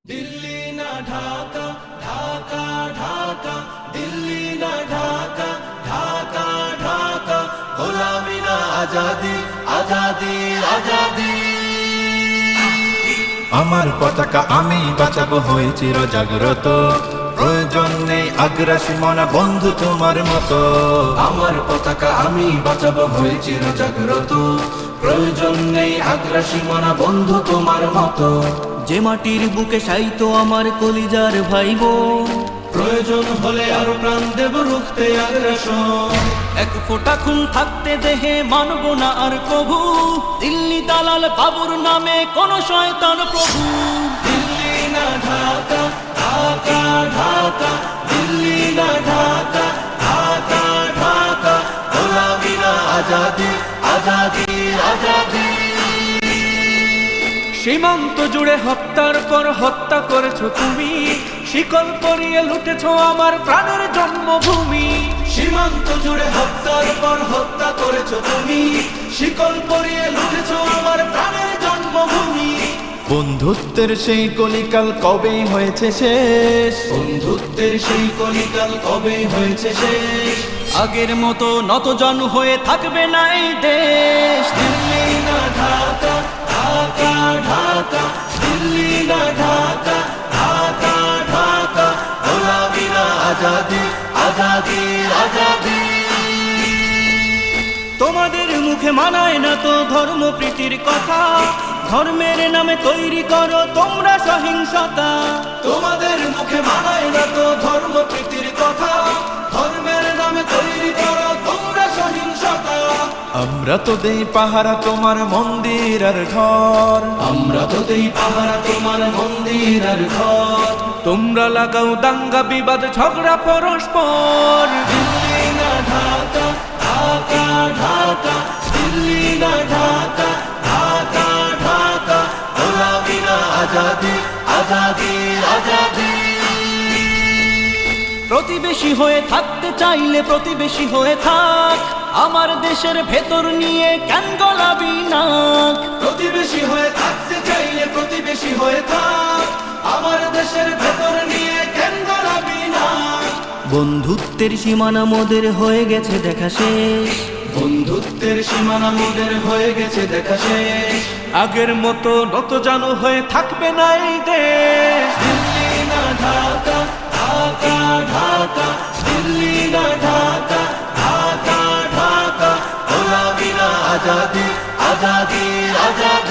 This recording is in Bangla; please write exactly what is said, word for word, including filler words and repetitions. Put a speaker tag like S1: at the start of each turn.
S1: दिल्ली ना ढाका ढाका ढाका दिल्ली ना ढाका ढाका ढाका गोलामी ना आजादी आजादी आजादी আমার পতাকা আমি বাঁচাবো হয়ে চির জাগ্রত প্রয়োজন নেই আগ্রাসী মনা বন্ধু তোমার মতো আমার পতাকা আমি বাঁচাবো হয়ে চির জাগ্রত প্রয়োজন নেই আগ্রাসী মনা বন্ধু তোমার মতো
S2: যে মাটির বুকে সাইতো আমার কলিজার ভাইবো
S1: প্রয়োজন হলে আরো প্রাণ দেব রুখতে আগ্রাসন
S2: এক ফোঁটা খুন থাকতে দেহে মানব না আর প্রভু দিল্লি দালাল বাবুর নামে কোন শয়তান প্রভু
S1: দিল্লি না ঢাকা ঢাকা ঢাকা দিল্লি না ঢাকা ঢাকা ঢাকা গোলামি না আজাদি আজাদি আজাদি
S2: সীমান্ত জুড়ে হত্যার পর হত্যা করেছো তুমি শিকল পরিয়ে লুটেছো আমার প্রাণের জন্মভূমি
S1: সীমান্ত জুড়ে হত্যার পর হত্যা করেছো তুমি শিকল পরিয়ে লুটেছো আমার প্রাণের জন্মভূমি
S2: বন্ধুত্বের সেই কলিকাল কবেই হয়েছে শেষ
S1: বন্ধুত্বের সেই কলিকাল কবেই হয়েছে শেষ
S2: আগের মতো নতজানু হয়ে থাকবে না এই দেশ
S1: দিল্লি না ঢাকা ঢাকা ঢাকা দিল্লি না ঢাকা ঢাকা ঢাকা গোলামি না আজাদি আজাদি আজাদি
S2: তোমাদের মুখে মানায় না তো ধর্মপ্রীতির কথা ধর্মের নামে তৈরি করো তোমরা সহিংসতা
S1: তোমাদের মুখে মানায় না তো ধর্মপ্রীতির কথা ধর্মের নামে তৈরি করো তোমরা সহিংসতা
S2: আমরা তো দেই পাহারা তোমার মন্দির আর ঘর
S1: আমরা তো দেই পাহারা তোমার মন্দির আর ঘর
S2: তোমরা লাগাও দাঙ্গা বিবাদ ঝগড়া পরস্পর
S1: দিল্লি না ঢাকা ঢাকা ঢাকা দিল্লি না ঢাকা ঢাকা ঢাকা গোলামি না আজাদি আজাদি আজাদি
S2: প্রতিবেশী হয়ে থাকতে চাইলে প্রতিবেশী হয়ে থাক আমার দেশের ভেতর নিয়ে কেন গলাবি নাক
S1: প্রতিবেশী হয়ে থাকতে চাইলে প্রতিবেশী হয়ে থাক আমার দেশের ভেতর নিয়ে কেন গলাবি না
S2: বন্ধুত্বের সীমানা মোদের হয়ে গেছে দেখা শেষ
S1: বন্ধুত্বের সীমানা মোদের হয়ে গেছে দেখা শেষ
S2: আগের মতো নতজানু হয়ে থাকবে না এই দেশ
S1: দিল্লি না ঢাকা ঢাকা ঢাকা দিল্লি না ঢাকা ঢাকা ঢাকা গোলামি না আজাদি আজাদি আজাদি